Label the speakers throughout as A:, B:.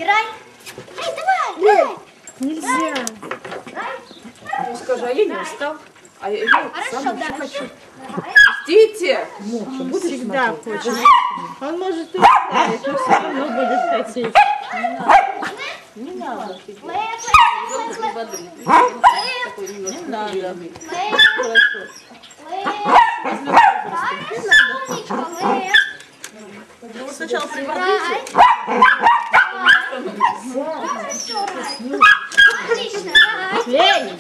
A: Забирай. Эй, давай.
B: Нельзя.
C: Ну скажи, а я не устал. А я сам еще хочу.
A: Пустите.
B: Всегда хочет. Он может и уставить, но все равно будет хотеть.
C: Не надо.
B: Не надо.
C: Хорошо.
A: Ну,
C: сначала прибавляйте.
A: Отлично.
B: Лень.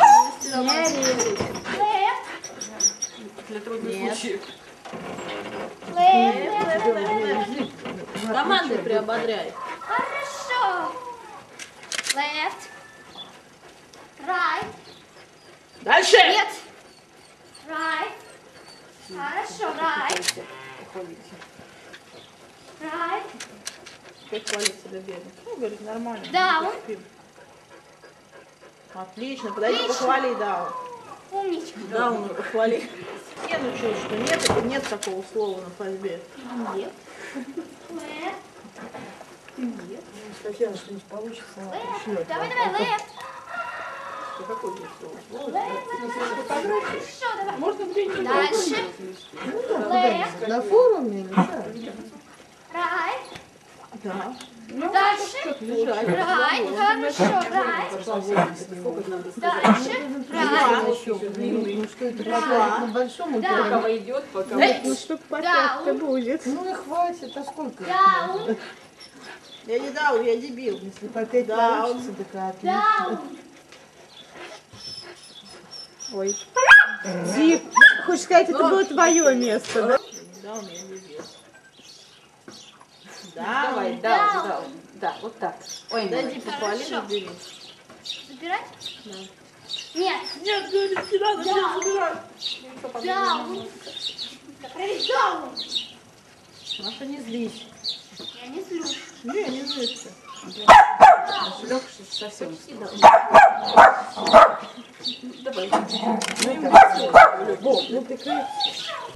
C: Для трудных случаев.
B: Команды приободряй.
A: Хорошо. Left. Right.
C: Дальше.
A: Нет. Right. Хорошо. Right. Right.
B: Как хвалится до бедных. Ну, говорит, нормально.
A: Down.
B: Отлично. Подойди, похвали, да.
A: Умничка.
B: Да, он похвали. Я научил, что нет такого слова на пальбе.
A: Нет. Left.
B: Нет.
D: Татьяна, что-нибудь получится, она
A: Left.
D: пришлет.
A: Давай. Left.
B: Какое здесь слово?
A: Хорошо, давай.
C: Можно где-нибудь.
A: Дальше. Left.
D: На форуме или что?
A: Right.
B: Да.
A: Дальше.
B: Лежать.
A: Right. Хорошо. Right. Дальше. Right.
D: Ну что это, пока на большом
A: Да.
C: Пока идет, пока...
B: Ну, штук по пять-то
A: Down.
B: будет.
D: Ну и хватит, а сколько?
A: Down.
B: Я не дал, я дебил.
D: Если по 5
B: Да,
D: получится, так отлично.
A: Down.
B: Ой. Зип, хочешь сказать, это было твое место, да? Да, у меня дебил. Да,
C: Давай, да, да, вот так. Ой,
B: Дойди, похвали,
A: Хорошо.
B: забери.
A: Забирать?
B: Да.
A: Нет.
B: Нет, говорит, не надо,
A: Да.
B: забирай.
A: Down. Говори down.
D: Маша, не злись.
A: Я не злюсь.
B: Не, не злишься.
C: Легче совсем. Давай.
D: Ну, прикрыть.